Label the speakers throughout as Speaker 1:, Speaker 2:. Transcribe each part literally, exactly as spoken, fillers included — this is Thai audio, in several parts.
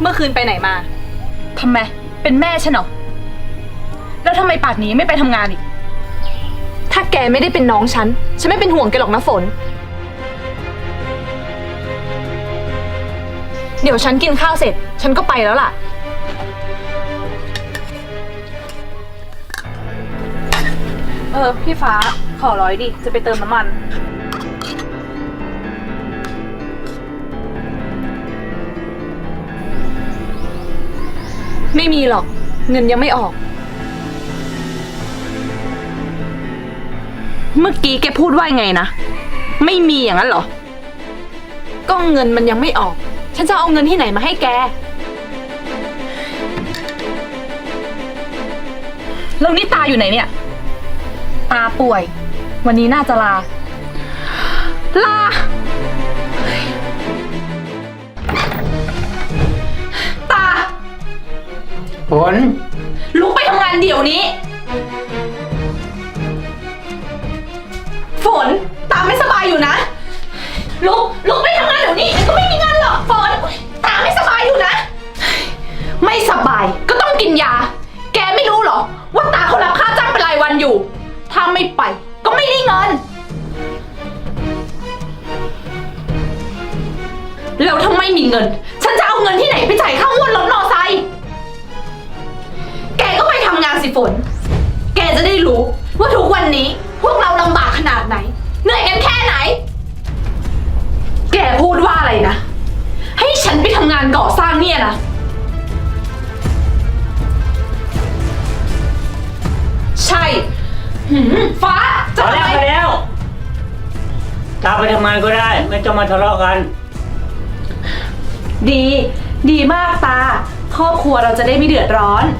Speaker 1: เมื่อคืนไปไหนมา
Speaker 2: ทำไมเป็นแม่ฉันเหรอแล้วทำไมป่านนี้ไม่ไปทำงานอีก
Speaker 1: ถ้าแกไม่ได้เป็นน้องฉันฉันไม่เป็นห่วงแกหรอกนะฝนเดี๋ยวฉันกินข้าวเสร็จฉันก็ไปแล้วล่ะเออพี่ฟ้าขอร้อยดิจะไปเติมน้ำมันไม่มีหรอกเงินยังไม่ออก
Speaker 2: เมื่อกี้แกพูดว่าไงนะไม่มีอย่างนั้นเหรอ
Speaker 1: ก็เงินมันยังไม่ออกฉันจะเอาเงินที่ไหนมาให้แก
Speaker 2: แล้วนี่ตาอยู่ไหนเนี่ยตาป่วยวันนี้น่าจะลาลาตา
Speaker 3: ฝน
Speaker 2: ลุกไปทำงานเดี๋ยวนี้ฝนตาไม่สบายอยู่นะลุกลุกไปทำงานเดี๋ยวนี้ก็ไม่มีงานหรอกฝนตาไม่สบายอยู่นะไม่สบายก็ต้องกินยาแกไม่รู้เหรอว่าตาเขารับค่าจ้างเป็นรายวันอยู่ถ้าไม่ไปก็ไม่ได้เงินแล้วถ้าไม่มีเงินฉันจะเอาเงินที่ไหนไปจ่ายค่างวดรถมอไซค์แกก็ไปทำงานสิฝนแกจะได้รู้ว่าทุกวันนี้พวกเราลำบากขนาดไหนเหนื่อยกันแค่ไหนแกพูดว่าอะไรนะให้ฉันไปทำงานก่อสร้างเนี่ยนะใช่ฟ้า
Speaker 3: จะไปแล้วไปแล้วตาไปทำงานก็ได้ไม่ต้องมาทะเลาะกัน
Speaker 2: ดีดีมากตาครอบครัวเราจะได้ไม่เดือดร้อน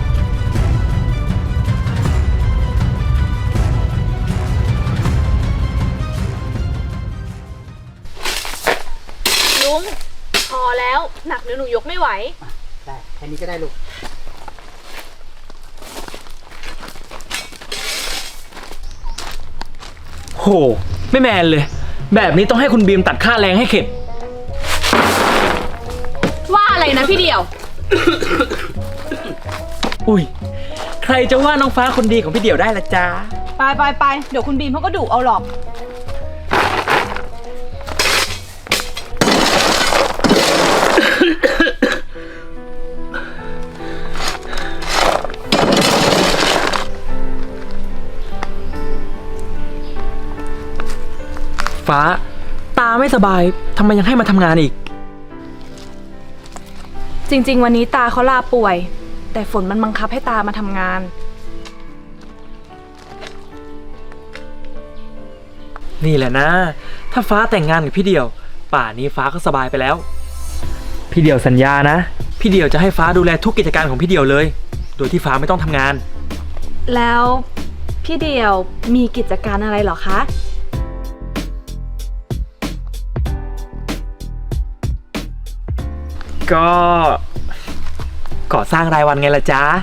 Speaker 1: ลุงพอแล้วหนักเดี๋ยวหนูยกไม่ไหว
Speaker 3: ได้แค่นี้ก็ได้ลูก
Speaker 4: โหไม่แมนเลยแบบนี้ต้องให้คุณบีมตัดค่าแรงให้เข็ด
Speaker 1: ว่าอะไรนะพี่เดี่ยว
Speaker 4: อุ้ยใครจะว่าน้องฟ้าคนดีของพี่เดี่ยวได้ละจ๊ะ
Speaker 2: ไปไปไปเดี๋ยวคุณบีมเขาก็ดุเอาหรอก
Speaker 4: ฟ้าตาไม่สบายทำไมยังให้มาทำงานอีก
Speaker 1: จริงๆวันนี้ตาเขาลาป่วยแต่ฝนมันบังคับให้ตามาทำงาน
Speaker 4: นี่แหละนะถ้าฟ้าแต่งงานกับพี่เดี่ยวป่านี้ฟ้าก็สบายไปแล้วพี่เดี่ยวสัญญานะพี่เดี่ยวจะให้ฟ้าดูแลทุกกิจการของพี่เดี่ยวเลยโดยที่ฟ้าไม่ต้องทำงาน
Speaker 1: แล้วพี่เดี่ยวมีกิจการอะไรเหรอคะ
Speaker 4: ก็ก่อสร้างรายวันไงล่ะจ๊ะ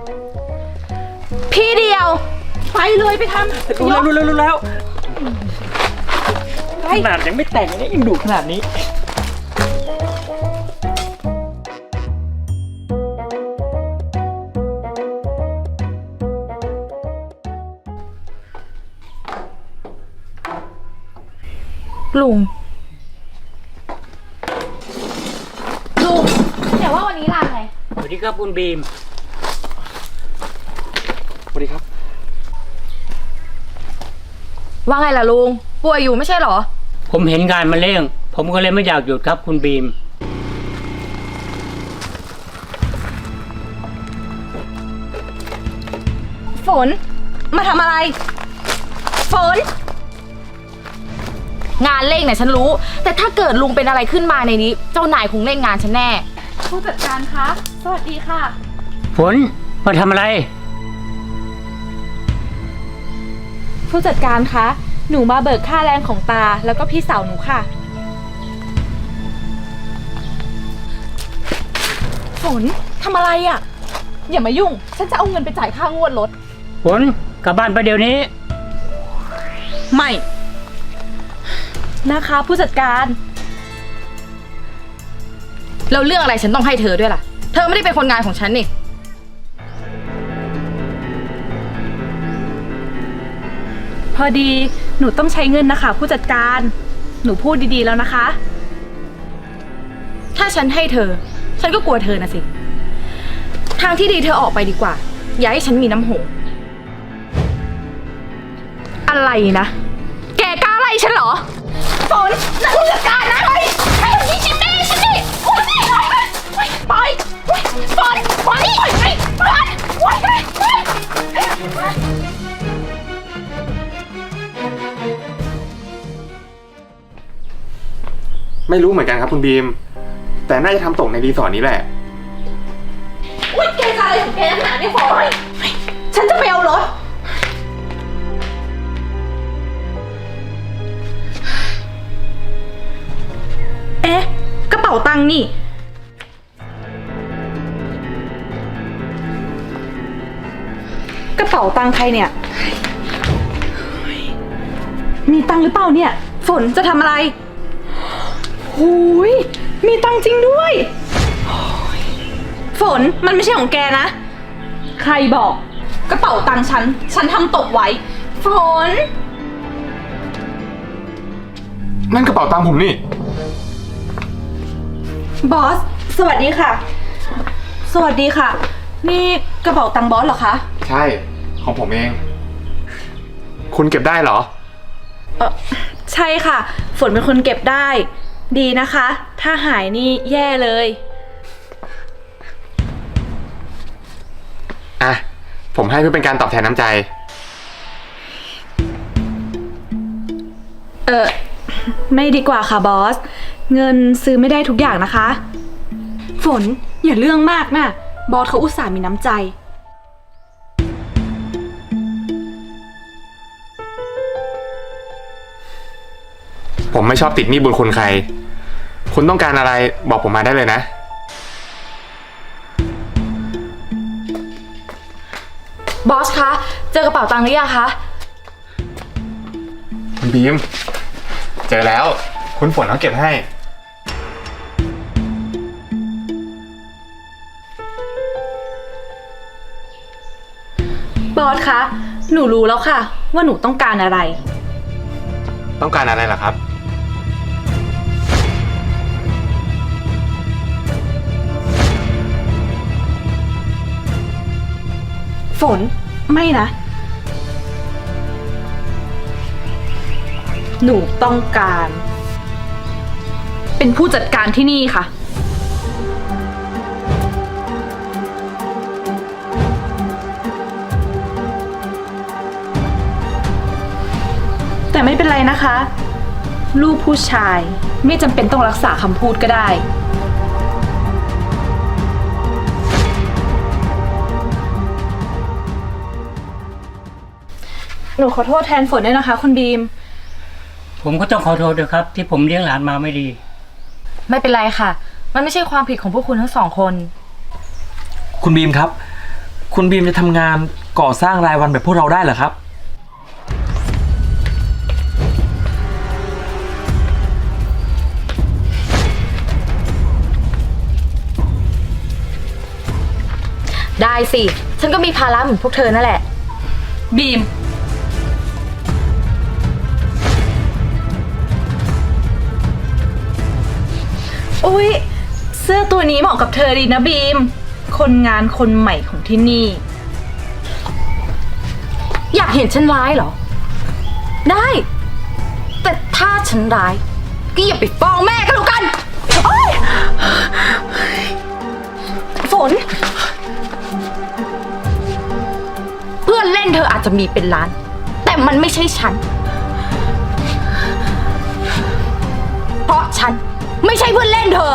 Speaker 2: พี่เดียวไปเลยไปทำ
Speaker 4: รู้แล้วรู้แล้วรู้แล้วขนาดยังไม่แต่งนี่ยังดุขนาดนี้
Speaker 1: ลุงลุงเดี๋ยวว่าวันนี้ลาไง
Speaker 3: สวัสดีครับคุณบีม
Speaker 4: สวัสดีครับ
Speaker 2: ว่าไงล่ะลุงป่วยอยู่ไม่ใช่หรอ
Speaker 3: ผมเห็นงานมาเร่งผมก็เลยไม่อยากหยุดครับคุณบีม
Speaker 2: ฝนมาทำอะไรฝนงานเร่งเนี่ยฉันรู้แต่ถ้าเกิดลุงเป็นอะไรขึ้นมาในนี้เจ้านายคงเล่นงานฉันแน่
Speaker 1: ผู้จัดการคะสวัสดีค่ะ
Speaker 3: ฝนมาทำอะไร
Speaker 1: ผู้จัดการคะหนูมาเบิกค่าแรงของตาแล้วก็พี่สาวหนูค่ะฝนทำอะไรอ่ะอย่ามายุ่งฉันจะเอาเงินไปจ่ายค่างวดรถ
Speaker 3: ฝนกลับบ้านไปเดี๋ยวนี้
Speaker 2: ไม่
Speaker 1: นะคะผู้จัดการ
Speaker 2: แล้วเรื่องอะไรฉันต้องให้เธอด้วยล่ะ เธอไม่ได้เป็นคนงานของฉันนี่
Speaker 1: พอดีหนูต้องใช้เงินนะคะ ผู้จัดการ หนูพูดดีๆแล้วนะคะ
Speaker 2: ถ้าฉันให้เธอ ฉันก็กลัวเธอนะสิ ทางที่ดีเธอออกไปดีกว่า อย่าให้ฉันมีน้ำโหอะไรนะ แกกล้าไล่ฉันเหรอฝนนักผู้จัดการนะเฮ้ยไอ้นี่ชิมแม่ฉันดิโอ้ยไปฝนฝนนี่ไปไปไปไป
Speaker 5: ไม่รู้เหมือนกันครับคุณบีม แต่น่าจะทำตกในรีสอร์ทนี้แหละ
Speaker 2: อุ้ยแกจะอะไรของแกนักหนาเนี่ยฝนฉันจะไปเอารถ
Speaker 1: เอ๊ะ กระเป๋าตังค์นี่ กระเป๋าตังค์ใครเนี่ย มีตังค์หรือเปล่าเนี่ย ฝนจะทำอะไรหูยมีตังค์จริงด้วยโอ้ยฝนมันไม่ใช่ของแกนะ ใครบอก กระเป๋าตังค์ฉัน ฉันทำตกไว้ ฝน
Speaker 5: นั่นกระเป๋าตังค์ผมนี่
Speaker 1: บอส สวัสดีค่ะ สวัสดีค่ะ นี่กระเป๋าตังค์บอสเหรอคะ
Speaker 5: ใช่ ของผมเอง คุณเก็บได้เหรอ
Speaker 1: เออใช่ค่ะ ฝนเป็นคนเก็บได้ ดีนะคะ ถ้าหายนี่แย่เลย
Speaker 5: อ่ะ ผมให้เพื่อเป็นการตอบแทนน้ำใจ
Speaker 1: เออไม่ดีกว่าค่ะบอส เงินซื้อไม่ได้ทุกอย่างนะคะ ฝนอย่าเรื่องมากนะบอสเขาอุตส่าห์มีน้ำใจ
Speaker 5: ผมไม่ชอบติดหนี้บุญคุณใคร คุณต้องการอะไรบอกผมมาได้เลยนะ
Speaker 2: บอสคะ เจอกระเป๋าตังค์หรือยังคะ
Speaker 5: คุณบีม เจอแล้ว คุณฝนเขาเก็บให้
Speaker 1: บอสคะ หนูรู้แล้วค่ะ ว่าหนูต้องการอะไร
Speaker 5: ต้องการอะไรล่ะครับ
Speaker 1: ฝนไม่นะ หนูต้องการ เป็นผู้จัดการที่นี่ค่ะ แต่ไม่เป็นไรนะคะ ลูกผู้ชายไม่จำเป็นต้องรักษาคำพูดก็ได้ หนูขอโทษแทนฝนด้วยนะคะคุณบีม
Speaker 3: ผมก็ต้องขอโทษด้วยครับ ที่ผมเลี้ยงหลานมาไม่ดี
Speaker 2: ไม่เป็นไรค่ะ มันไม่ใช่ความผิดของพวกคุณทั้งสองคน
Speaker 4: คุณบีมครับ คุณบีมจะทำงานก่อสร้างรายวันแบบพวกเราได้เหรอครับ
Speaker 2: ได้สิ ฉันก็มีภาระเหมือนพวกเธอนั่นแหละ
Speaker 1: บีม อุ๊ย เสื้อตัวนี้เหมาะกับเธอดีนะบีม คนงานคนใหม่ของที่นี่
Speaker 2: อยากเห็นฉันร้ายเหรอ ได้ แต่ถ้าฉันร้ายก็อย่าไปฟ้องแม่ก็แล้วกันโอ๊ยฝน เพื่อนเล่นเธออาจจะมีเป็นล้าน แต่มันไม่ใช่ฉัน เพราะฉันไม่ใช่เพื่อนเล่นเธอ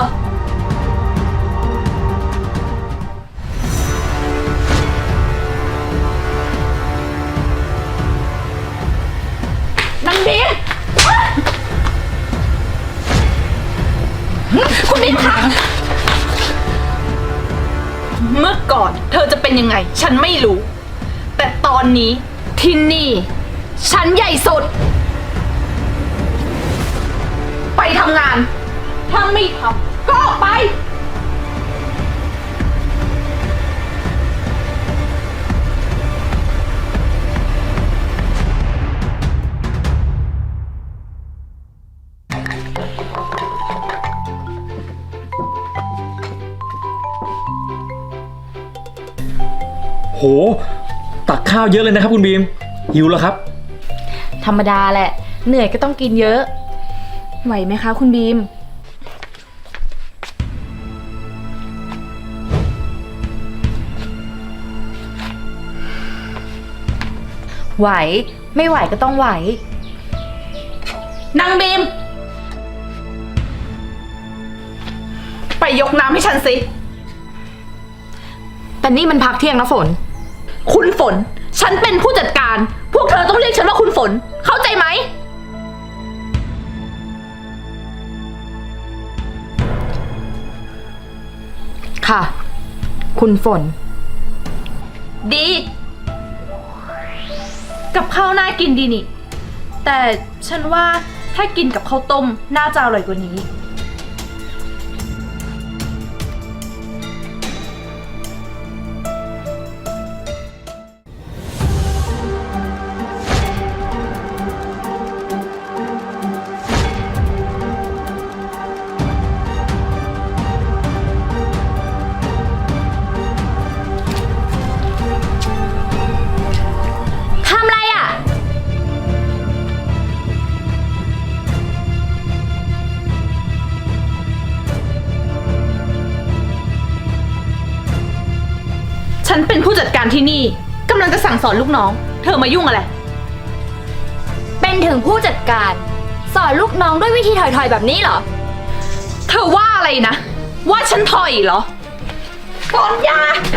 Speaker 2: นังบีมคุณบีมคะ
Speaker 1: เมื่อก่อนเธอจะเป็นยังไง ฉันไม่รู้ แต่ตอนนี้ที่นี่ ฉันใหญ่สุด ไปทำงาน ถ้าไม่ทำก็ออกไป
Speaker 4: ตักข้าวเยอะเลยนะครับคุณบีมหิวแล้วครับ
Speaker 2: ธรรมดาแหละ เหนื่อยก็ต้องกินเยอะ
Speaker 1: ไหวไหมคะคุณบีม
Speaker 2: ไหว ไม่ไหวก็ต้องไหว นางบีม ไปยกน้ำให้ฉันสิ แต่นี่มันพักเที่ยงนะฝน คุณฝน ฉันเป็นผู้จัดการ พวกเธอต้องเรียกฉันว่าคุณฝน เข้าใจไหม ค่ะ คุณฝน ดี กับข้าวน่ากินดีนี่ แต่ฉันว่าถ้ากินกับข้าวต้มน่าจะอร่อยกว่านี้
Speaker 6: ทำอะไรอ่ะ
Speaker 2: ฉันเป็นผู้จัดการที่นี่กำลังจะสั่งสอนลูกน้อง เธอมายุ่งอะไร
Speaker 6: เป็นถึงผู้จัดการ สอนลูกน้องด้วยวิธีถอยๆแบบนี้เหรอ
Speaker 2: เธอว่าอะไรนะ ว่าฉันถอยเหรอฝนยา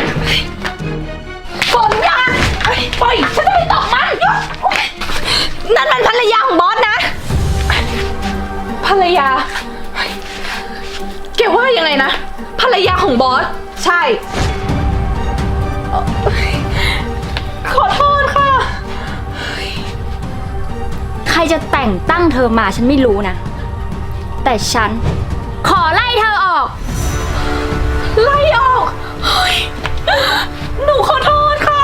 Speaker 2: ฝนยาปล่อยฉันจะไปตบมันนั่นมันภรรยาของบอสนะ ภรรยาแกว่ายังไงนะ ภรรยาของบอส ใช่ ขอโทษค่ะ
Speaker 6: ใครจะแต่งตั้งเธอมาฉันไม่รู้นะ แต่ฉัน ขอไล่เธอออก
Speaker 2: ไล่ออกเฮ้ยหนูขอโทษค่ะ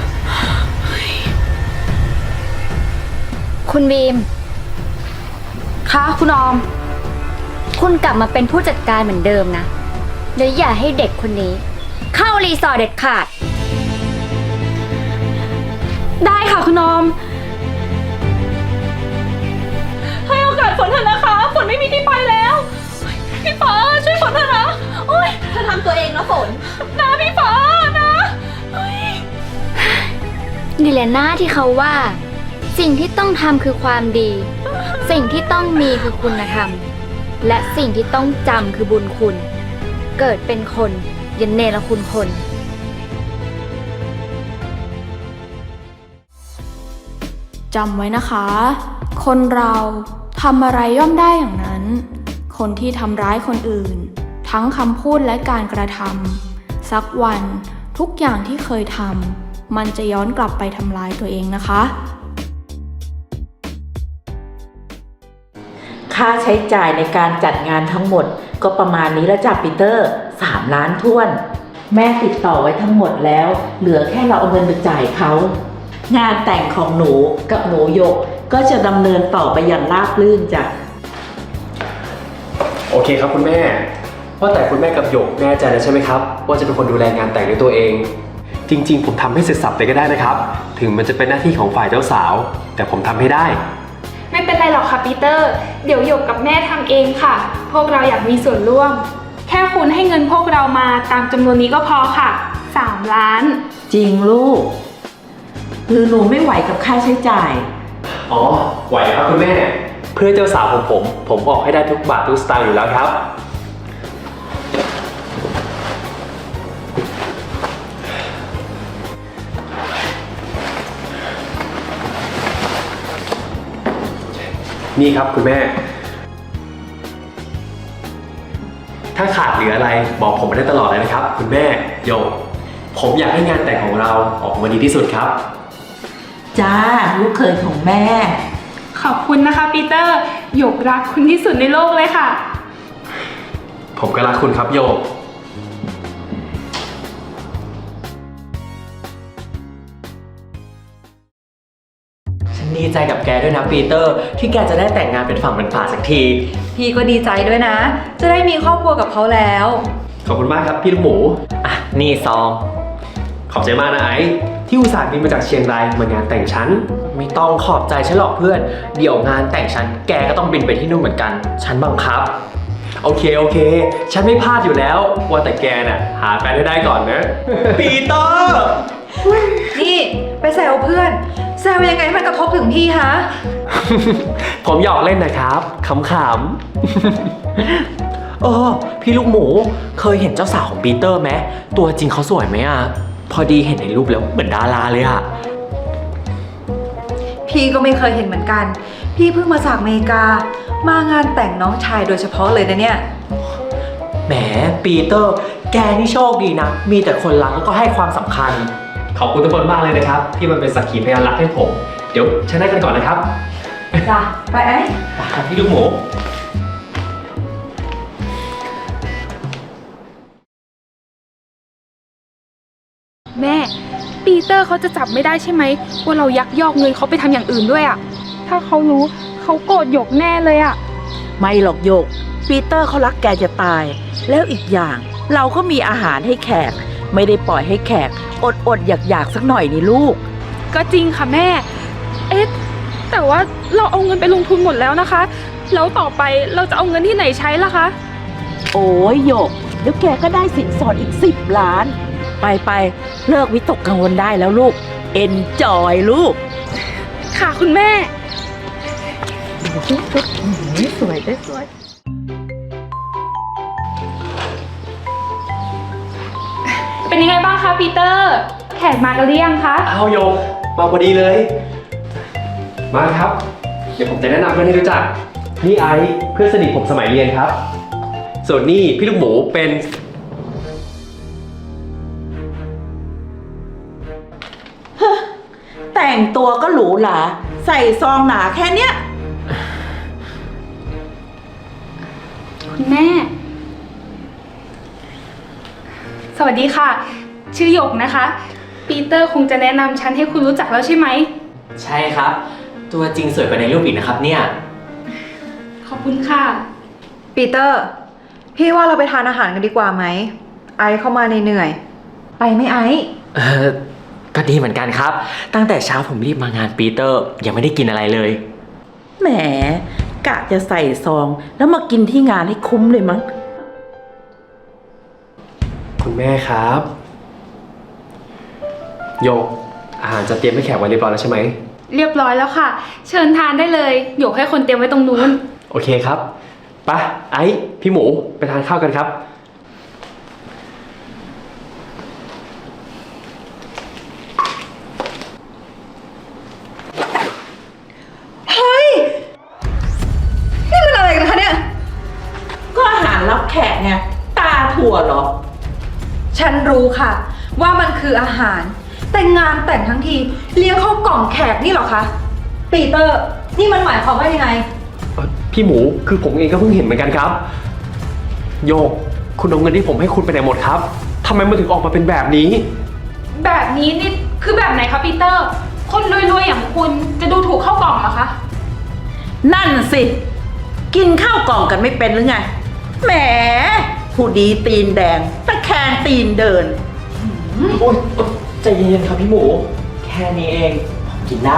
Speaker 6: คุณบีม
Speaker 2: ค่ะคุณออม
Speaker 6: คุณกลับมาเป็นผู้จัดการเหมือนเดิมนะแล้วอย่าให้เด็กคนนี้ เข้ารีสอร์ทเด็ดขาด
Speaker 2: ได้ค่ะคุณออม ให้โอกาสฝนเถอะนะคะ ฝนไม่มีที่ไปแล้ว พี่ฟ้าช่วยฝนเถอะนะโอ๊ยเธอทำตัวเองนะฝน นะพี่ฟ้านะเฮ้ย
Speaker 6: นี่แหละหน้าที่เขาว่า สิ่งที่ต้องทำคือความดี สิ่งที่ต้องมีคือคุณธรรม และสิ่งที่ต้องจำคือบุญคุณ เกิดเป็นคนอย่าเนรคุณคน
Speaker 7: จำไว้นะคะ คนเราทำอะไรย่อมได้อย่างนั้น คนที่ทำร้ายคนอื่น ทั้งคำพูดและการกระทำสักวันทุกอย่างที่เคยทำมันจะย้อนกลับไปทำร้ายตัวเองนะคะ
Speaker 8: ค่าใช้จ่ายในการจัดงานทั้งหมดก็ประมาณนี้แล้วจ้ะปีเตอร์สามล้านท้วน แม่ติดต่อไว้ทั้งหมดแล้ว เหลือแค่เราเอาเงินไปจ่ายเขา งานแต่งของหนูกับหนูหยกก็จะดำเนินต่อไปอย่างราบรื่นจ้ะ
Speaker 9: โอเคครับคุณแม่ว่าแต่คุณแม่กับหยกแน่ใจแล้วใช่ไหมครับว่าจะเป็นคนดูแลงานแต่งด้วยตัวเอง จริงๆผมทำให้เสร็จสับเลยก็ได้นะครับ ถึงมันจะเป็นหน้าที่ของฝ่ายเจ้าสาว แต่ผมทำให้ได้
Speaker 10: ไม่เป็นไรหรอกค่ะปีเตอร์ เดี๋ยวหยกกับแม่ทำเองค่ะ พวกเราอยากมีส่วนร่วม แค่คุณให้เงินพวกเรามาตามจำนวนนี้ก็พอค่ะสามล้าน
Speaker 8: จริงลูก หรือหนูไม่ไหวกับค่าใช้จ่าย
Speaker 9: อ๋อไหวครับคุณแม่ เพื่อเจ้าสาวของผม ผมออกให้ได้ทุกบาททุกสตางค์อยู่แล้วครับ นี่ครับคุณแม่ ถ้าขาดเหลืออะไรบอกผมมาได้ตลอดเลยนะครับ คุณแม่โยกผมอยากให้งานแต่งของเราออกมาดีที่สุดครับ
Speaker 8: จ้าลูกเคยของแม่
Speaker 10: ขอบคุณนะคะปีเตอร์หยกรักคุณที่สุดในโลกเลยค่ะ
Speaker 9: ผมก็รักคุณครับโยก
Speaker 4: ฉันดีใจกับแกด้วยนะปีเตอร์ ที่แกจะได้แต่งงานเป็นฝั่งเป็นฝาสักที
Speaker 1: พี่ก็ดีใจด้วยนะ จะได้มีครอบครัวกับเขาแล้ว
Speaker 9: ขอบคุณมากครับพี่ลูกหมู
Speaker 4: อ่ะ นี่ซอง
Speaker 9: ขอบใจมากนะไอ้ที่อุตส่าห์บินมาจากเชียงรายมางานแต่งฉัน
Speaker 4: ไม่ต้องขอบใจฉันหรอกเพื่อน เดี๋ยวงานแต่งฉันแกก็ต้องบินไปที่นู่นเหมือนกัน ฉันบังคับ
Speaker 9: โอเคโอเค ฉันไม่พลาดอยู่แล้ว ว่าแต่แกน่ะหาแฟนให้ได้ก่อนนะ
Speaker 4: ปีเตอร์
Speaker 1: นี่ไปแซวเพื่อน แซวยังไงให้มันกระทบถึงพี่ฮะ
Speaker 9: ผมหยอกเล่นนะครับขำๆ
Speaker 4: เออพี่ลูกหมูเคยเห็นเจ้าสาวของปีเตอร์ไหมตัวจริงเขาสวยไหมอ่ะ พอดีเห็นในรูปแล้วเหมือนดาราเลยอ่ะ
Speaker 1: พี่ก็ไม่เคยเห็นเหมือนกัน พี่เพิ่งมาจากอเมริกา มางานแต่งน้องชายโดยเฉพาะเลยนะเนี่ย
Speaker 4: แหมปีเตอร์ แกนี่โชคดีนะ มีแต่คนรักแล้วก็ให้ความสำคัญ
Speaker 9: ขอบคุณทุกคนมากเลยนะครับ ที่มันเป็นสักขีพยานรักให้ผม เดี๋ยวฉันได้กันก่อนนะครับ
Speaker 1: จ้ะ ไปไอ้
Speaker 9: ครับพี่ลูกหมู
Speaker 10: แม่ ปีเตอร์เขาจะจับไม่ได้ใช่ไหมว่าเรายักยอกเงินเขาไปทำอย่างอื่นด้วยอะถ้าเขารู้เขาโกรธหยกแน่เลยอะ
Speaker 8: ไม่หรอกโยก ปีเตอร์เขารักแกจะตาย แล้วอีกอย่างเราก็มีอาหารให้แขก ไม่ได้ปล่อยให้แขก อดอดอยากอยากๆสักหน่อยนี่ลูก
Speaker 10: ก็จริงค่ะแม่ เอ๊ะแต่ว่าเราเอาเงินไปลงทุนหมดแล้วนะคะ แล้วต่อไปเราจะเอาเงินที่ไหนใช้ล่ะคะ
Speaker 8: โอ้ยโยกเดี๋ยวแกก็ได้สินสอดอีกสิบล้าน ไปไปๆเลิกวิตกกังวลได้แล้วลูก เอ็นจอยลูก
Speaker 10: ค่ะคุณแม่
Speaker 8: สวยได้สวย
Speaker 10: เป็นยังไงบ้างคะปีเตอร์ แขกมากันหรือยังคะ
Speaker 9: เอาโยกมาพอดีเลย มาครับ เดี๋ยวผมจะแนะนำเพื่อนให้รู้จัก นี่ไอซ์เพื่อนสนิทผมสมัยเรียนครับ ส่วนนี่พี่ลูกหมูเป็น
Speaker 8: แต่งตัวก็หรูหราใส่ซองหนาแค่เนี้ย
Speaker 10: คุณแม่ สวัสดีค่ะ ชื่อหยกนะคะ ปีเตอร์คงจะแนะนำฉันให้คุณรู้จักแล้วใช่ไหม
Speaker 4: ใช่ครับ ตัวจริงสวยกว่าในรูปอีกนะครับเนี่ย
Speaker 10: ขอบคุณค่ะ
Speaker 1: ปีเตอร์ พี่ว่าเราไปทานอาหารกันดีกว่าไหม ไอเข้ามาเหนื่อยๆไปไหมไอ
Speaker 4: เออก็ดีเหมือนกันครับ ตั้งแต่เช้าผมรีบมางานปีเตอร์ยังไม่ได้กินอะไรเลย
Speaker 8: แหมกะจะใส่ซอง แล้วมากินที่งานให้คุ้มเลยมั้ง
Speaker 9: คุณแม่ครับ โยกอาหารจะเตรียมให้แขกไว้เรียบร้อยแล้วใช่ไหม
Speaker 10: เรียบร้อยแล้วค่ะ เชิญทานได้เลยหยกให้คนเตรียมไว้ตรงนู้น
Speaker 9: โอเคครับไปไอ้พี่หมูไปทานข้าวกันครับ
Speaker 1: เฮ้ย นี่มันอะไรกันคะเนี่ย
Speaker 8: ก็อาหารรับแขกไง ตาถั่วเหรอ
Speaker 1: ฉันรู้ค่ะ ว่ามันคืออาหาร แต่งานแต่งทั้งทีเลี้ยงเข้ากล่องแขกนี่เหรอคะ ปีเตอร์ นี่มันหมายความว่ายังไง
Speaker 9: พี่หมูคือผมเองก็เพิ่งเห็นเหมือนกันครับ โยกคุณเอาเงินที่ผมให้คุณไปไหนหมดครับทำไมมันถึงออกมาเป็นแบบนี้
Speaker 10: แบบนี้นี่คือแบบไหนคะปีเตอร์ คนรวยๆอย่างคุณจะดูถูกเข้ากล่องเหรอคะ
Speaker 8: นั่นสิ กินข้าวกล่องกันไม่เป็นหรือไง แหม ผู้ดีตีนแดงตะแคงตีนเดิน
Speaker 4: โอ๊ยโอ๊ยใจเย็นๆครับพี่หมู แค่นี้เองผมกินได้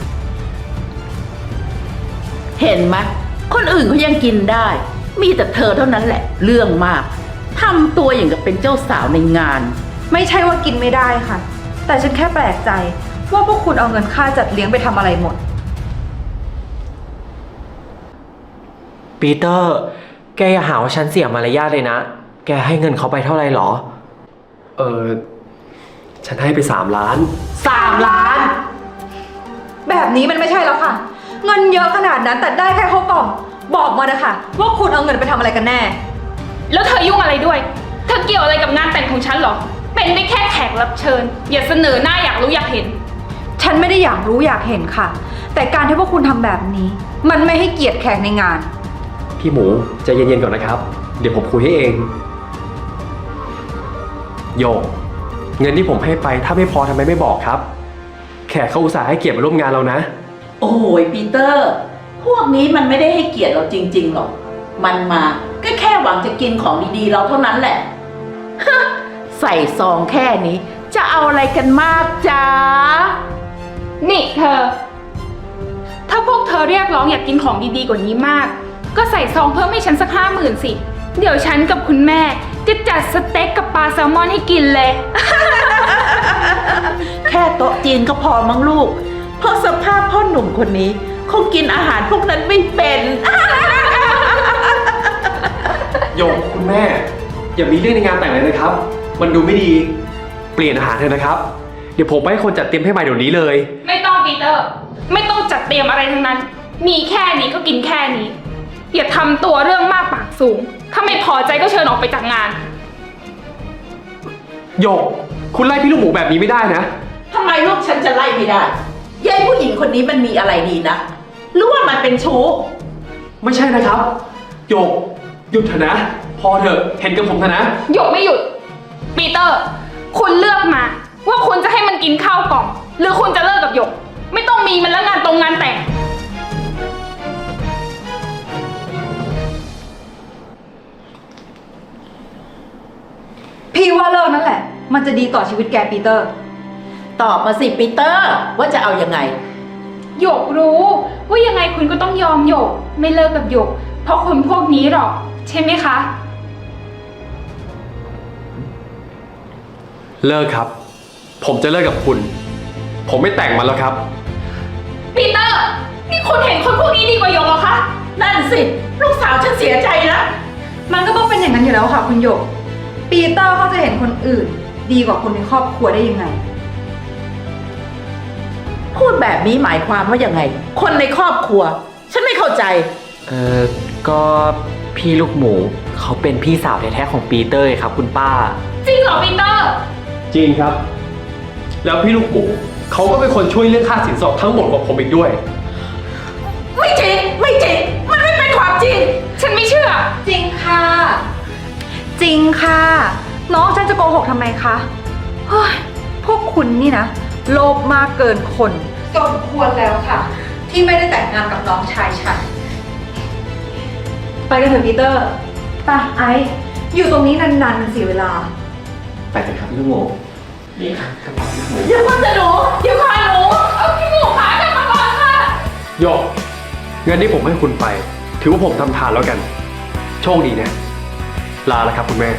Speaker 8: เห็นไหมคนอื่นเขายังกินได้ มีแต่เธอเท่านั้นแหละ เรื่องมากทำตัวอย่างกับเป็นเจ้าสาวในงาน
Speaker 1: ไม่ใช่ว่ากินไม่ได้ค่ะ แต่ฉันแค่แปลกใจว่าพวกคุณเอาเงินค่าจัดเลี้ยงไปทำอะไรหมด
Speaker 4: ปีเตอร์ แกอย่าหาว่าฉันเสียมารยาทเลยนะ แกให้เงินเขาไปเท่าไหร่หรอ
Speaker 9: เออฉันให้ไปสามล้าน
Speaker 8: สามล้าน
Speaker 1: แบบนี้มันไม่ใช่แล้วค่ะ เงินเยอะขนาดนั้นแต่ได้แค่ข้าวกล่อง บอกมานะคะว่าคุณเอาเงินไปทำอะไรกันแน่
Speaker 10: แล้วเธอยุ่งอะไรด้วย เธอเกี่ยวอะไรกับงานแต่งของฉันเหรอ เป็นได้แค่แขกรับเชิญ อย่าเสนอหน้าอยากรู้อยากเห็น
Speaker 1: ฉันไม่ได้อยากรู้อยากเห็นค่ะ แต่การที่พวกคุณทำแบบนี้ มันไม่ให้เกียรติแขกในงาน
Speaker 9: พี่หมูใจเย็นๆก่อนนะครับ เดี๋ยวผมคุยให้เอง โยกเงินที่ผมให้ไปถ้าไม่พอทำไมไม่บอกครับ แขกเขาอุตส่าห์ให้เกียรติมาร่วมงานเรานะ
Speaker 8: โอ้ยปีเตอร์ พวกนี้มันไม่ได้ให้เกียรติเราจริงๆหรอก มันมาก็แค่หวังจะกินของดีๆเราเท่านั้นแหละ ใส่ซองแค่นี้จะเอาอะไรกันมากจ๊ะ
Speaker 10: นี่เธอ ถ้าพวกเธอเรียกร้องอยากกินของดีๆกว่านี้มาก ก็ใส่ซองเพิ่มให้ฉันสักห้าหมื่นสิ เดี๋ยวฉันกับคุณแม่จะจัดสเต็กกับปลาแซลมอนให้กินเลย
Speaker 8: แค่โต๊ะจีนก็พอมั้งลูก เพราะสภาพพ่อหนุ่มคนนี้คงกินอาหารพวกนั้นไม่เป็น
Speaker 9: โยกคุณแม่ อย่ามีเรื่องในงานแต่งเลยนะครับ มันดูไม่ดี เปลี่ยนอาหารเถอะนะครับ เดี๋ยวผมไปให้คนจัดเตรียมให้ใหม่เดี๋ยวนี้เลย
Speaker 10: ไม่ต้องปีเตอร์ ไม่ต้องจัดเตรียมอะไรทั้งนั้น มีแค่นี้ก็กินแค่นี้ อย่าทำตัวเรื่องมากปากสูง ถ้าไม่พอใจก็เชิญออกไปจากงาน
Speaker 9: โยก คุณไล่พี่ลูกหมูแบบนี้ไม่ได้นะ
Speaker 8: ทำไมลูกฉันจะไล่ไม่ได้ยายผู้หญิงคนนี้มันมีอะไรดีนะ หรือว่ามันเป็นชู้
Speaker 9: ไม่ใช่นะครับ โยก หยุดเถอะนะ พอเถอะ เห็นกับผมเถอะนะ
Speaker 10: หยกไม่หยุด ปีเตอร์ คุณเลือกมา ว่าคุณจะให้มันกินข้าวกล่อง หรือคุณจะเลิกกับหยก ไม่ต้องมีมันแล้วงานตรงงานแต่ง
Speaker 1: พี่ว่าเลิกนั่นแหละ มันจะดีต่อชีวิตแกปีเตอร์
Speaker 8: ตอบมาสิปีเตอร์ว่าจะเอายังไง
Speaker 10: หยกรู้ว่ายังไงคุณก็ต้องยอมหยก ไม่เลิกกับหยก เพราะคนพวกนี้หรอก ใช่ไหมคะ
Speaker 9: เลิกครับ ผมจะเลิกกับคุณ ผมไม่แต่งมันแล้วครับ
Speaker 10: ปีเตอร์ นี่คุณเห็นคนพวกนี้ดีกว่าหยกเหรอคะ
Speaker 8: นั่นสิ ลูกสาวฉันเสียใจนะ
Speaker 1: มันก็ต้องเป็นอย่างนั้นอยู่แล้วค่ะคุณหยก ปีเตอร์เขาจะเห็นคนอื่น ดีกว่าคนในครอบครัวได้ยังไง
Speaker 8: พูดแบบนี้หมายความว่ายังไง คนในครอบครัว ฉันไม่เข้าใจ
Speaker 4: เออก็พี่ลูกหมูเขาเป็นพี่สาวแท้ๆของปีเตอร์ครับคุณป้า
Speaker 10: จริงเหรอปีเตอร์
Speaker 9: จริงครับ แล้วพี่ลูกหมูเขาก็เป็นคนช่วยเรื่องค่าสินสอดทั้งหมดของผมอีกด้วย
Speaker 8: ไม่จริง ไม่จริง มันไม่เป็นความจริง
Speaker 10: ฉันไม่เชื่อ
Speaker 1: จริงค่ะ จริงค่ะ น้องฉันจะโกหกทำไมคะเฮ้ยพวกคุณนี่นะ โลภมากเกินคนสมควรแล้วค่ะ ที่ไม่ได้แต่งงานกับน้องชายฉัน ไปกันเถอะปีเตอร์ไปไอซ์อยู่ตรงนี้นานๆมันเสียเวลา
Speaker 9: ไปเถอะครับพี่ลูกหมูนี่ครับกระเป๋าพี่ลูกหมู
Speaker 8: อย่าเพิ่งจะหนู
Speaker 10: เดี๋ยวค่ะหนู เอาพี่หมูขากลับมาก่อนค่ะ
Speaker 9: โยกเงินที่ผมให้คุณไป ถือว่าผมทำทานแล้วกัน โชคดีนะ ลาแล้วครับคุณแม่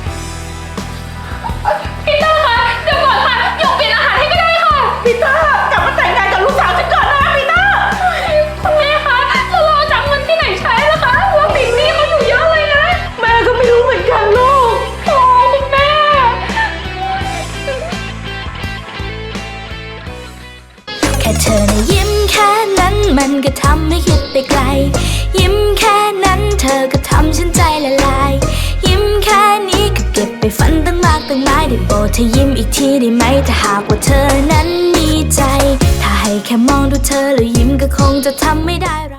Speaker 10: ปีเตอร์คะเดี๋ยวก่อนค่ะหยกเปลี่ยนอาหารให้ก็ได้ค่ะ
Speaker 8: ปีเตอร์กลับมาแต่งงานกับลูกสาวฉันก่อนนะปีเตอร์
Speaker 10: คุณแม่คะแล้วเราจะเอาเงินที่ไหนใช้ล่ะคะว่าติดหนี้เขาอยู่เยอะเลยนะ
Speaker 8: แม่ก็ไม่รู้เหมือนกันลูก
Speaker 10: โอ้คุณแม่
Speaker 11: แค่เธอนะยิ้มแค่นั้นมันก็ทำให้คิดไปไกล ยิ้มแค่นั้นเธอก็ทำฉันใจละลาย ยิ้มแค่นี้ก็เก็บไปฝันตั้งมากตั้งหลายได้โปรดเธอยิ้มอีกทีได้ไหมถ้าหากว่าเธอนั้นมีใจ ถ้าให้แค่มองดูเธอแล้วยิ้มก็คงจะทำไม่ได้